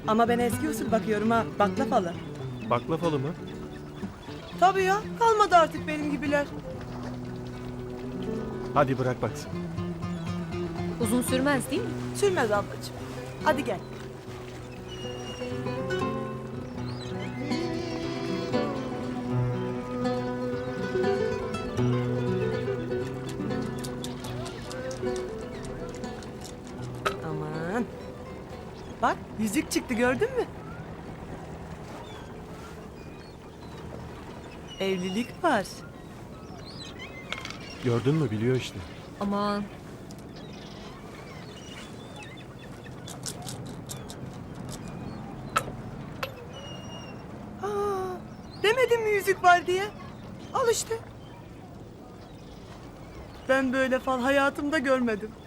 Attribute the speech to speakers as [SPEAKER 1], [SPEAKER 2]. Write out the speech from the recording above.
[SPEAKER 1] Ama ben eski usul bakıyorum ha, baklavalı.
[SPEAKER 2] Baklavalı mı?
[SPEAKER 1] Tabii ya, kalmadı artık benim gibiler.
[SPEAKER 2] Hadi bırak baksın.
[SPEAKER 3] Uzun sürmez değil mi?
[SPEAKER 1] Sürmez ablacığım. Hadi gel. Aman. Bak, yüzük çıktı, gördün mü? Evlilik var.
[SPEAKER 2] Gördün mü, biliyor işte.
[SPEAKER 3] Aman.
[SPEAKER 1] Aa, demedim mi yüzük var diye? Al işte. Ben böyle fal hayatımda görmedim.